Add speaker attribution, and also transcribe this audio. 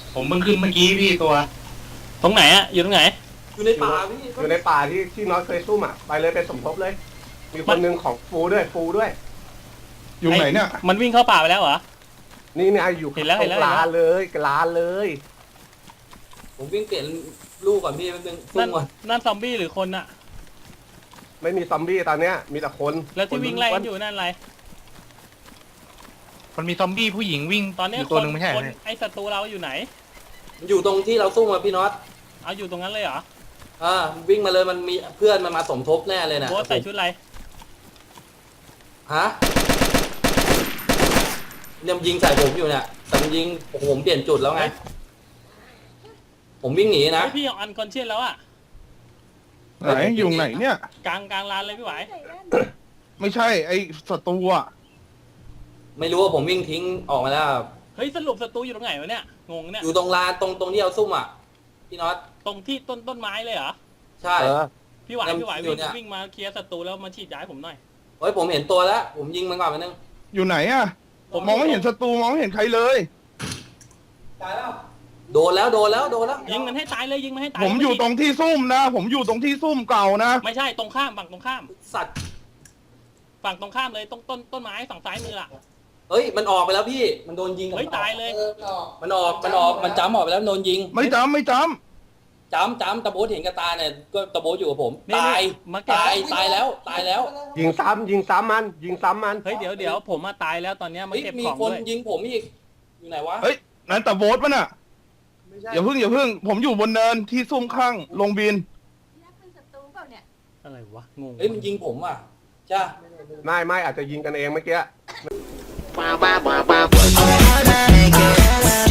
Speaker 1: ผมเพิ่งขึ้นเมื่อกี้พี่ตัว
Speaker 2: ตรงไหนอะอยู่ตรงไหน
Speaker 3: อยู่ในป่าพี่
Speaker 4: อยู่ในป่าที่น็อตเคยซุ่มอ่ะไปเลยไปสมทบเลย มีคนหนึ่งของฟูด้วย
Speaker 5: อยู่ไหนเนี่ย
Speaker 2: มันวิ่งเข้าป่าไปแล้วเหรอ
Speaker 4: นี่เนี่ยอยู่
Speaker 2: เห็นแล้ว
Speaker 4: ลานเลยลานเลย
Speaker 3: ผมวิ่งเปลี่ยนลูกก่อนพี่มันเป็นซุ่
Speaker 2: นั่
Speaker 3: ม
Speaker 2: น
Speaker 3: ก่อน
Speaker 2: นั่นซอมบี้หรือคนอะ
Speaker 4: ไม่มีซอมบี้ตอนเนี้ยมีแต่คน
Speaker 2: แล้วที่วิ่งไล่กันอยู่นั่นอะไร
Speaker 1: มันมีซอมบี้ผู้หญิงวิ่ง
Speaker 2: ตอนนี้
Speaker 1: ยู่
Speaker 2: ค
Speaker 1: ตัวน หนึ่งไม่ใช่
Speaker 2: คน
Speaker 1: เนี่ย
Speaker 2: ไอศัตรูเราอยู่ไหน
Speaker 3: อยู่ตรงที่เราซุ่มมาพี่น็อต
Speaker 2: เอาอยู่ตรงนั้นเลยเหรอ
Speaker 3: วิ่งมาเลยมันมีเพื่อนมันมาสมทบแน่เลยนะ
Speaker 2: โบ๊ทใส่ชุดอะไร
Speaker 3: ฮะเนี่ยมันยิงใส่ผมอยู่เนี่ยแต่มันยิงโอ้โหผมเปลี่ยนจุดแล้วไงผมวิ่งหนีนะ
Speaker 2: ไอพี่อันคอนเชียสแล้วอะ
Speaker 5: ไหนอยู่ไหนเนี่ย
Speaker 2: กลางลานเลยพี่ไหว
Speaker 5: ไม่ใช่ไอ้ศัตรูอ่ะ
Speaker 3: ไม่รู้ว่าผมวิ่งทิ้งออกมาแล้ว
Speaker 2: เฮ้ยสรุปศัตรูอยู่ตรงไหนวะเนี่ยงงเนี่ย
Speaker 3: อยู่ตรงลานตรงที่เราซุ่มอ่ะพี่น็อต
Speaker 2: ตรงที่ต้นไม้เลยเหรอ
Speaker 3: ใช่
Speaker 2: พี่ไหว
Speaker 3: ยัง
Speaker 2: พี่ไหว
Speaker 3: อยู่เนี่ย
Speaker 2: วิ่งมาเคลียร์ศัตรูแล้วมาฉีดยาให้ผมหน่อย
Speaker 3: เฮ้ยผมเห็นตัวแล้วผมยิงมันก่อนไปนึง
Speaker 5: อยู่ไหนอ่ะผมมองไม่เห็นศัตรูมองไม่เห็นใครเลย
Speaker 3: ตายแล้วโดนแล้ว
Speaker 2: ยิงมันให้ตายเลยยิงมันให้ตาย
Speaker 5: ผมอยู่ตรงที่ซุ่มนะ ผมอยู่ตรงที่ซุ่มเก่านะ
Speaker 2: ไม่ใช่ตรงข้ามฝั่งตรงข้าม
Speaker 3: สัตว์
Speaker 2: ฝั่งตรงข้ามเลยต้นไม้ฝั่งซ้ายมืออะ
Speaker 3: เฮ้ยมันออกไปแล้วพี่มันโดนยิง
Speaker 2: เฮ้ยตายเลย
Speaker 3: มันออกมันจ้ำออกไปแล้วโดนยิง
Speaker 5: ไม่จำ
Speaker 3: จ้ำตะโบ๊ทเห็นกับตาเนี่ยก็ตะโบ๊ทอยู่กับผม
Speaker 2: นี่
Speaker 3: ตาย
Speaker 2: มาเก็บ
Speaker 3: ตายแล้ว
Speaker 4: ยิงซ้ำมัน
Speaker 2: เฮ้ยเดี๋ยวผมมาตายแล้วตอนเนี้ยมา
Speaker 3: เฮ้ย
Speaker 2: เก็บ
Speaker 3: มี
Speaker 2: ของ
Speaker 3: คน
Speaker 2: ด้วย
Speaker 3: ยิงผมอีกอยู่ไหนวะ
Speaker 5: เฮ้ยนั่นแต่โบ๊ทป่ะน่ะ
Speaker 3: ไม่ใช่
Speaker 5: อย่าเพิ่งผมอยู่บนเนินที่ซุ่มข้างลงบิน
Speaker 6: ยักษ์เป็นศัตรูเปล่าเนี่ย
Speaker 2: อะไรวะงง
Speaker 3: เฮ้ยมันยิงผมอ่ะจ้า
Speaker 4: ไม่อาจจะยิงกันเองเมื่อกี้
Speaker 7: Wow, wow, wow, wow.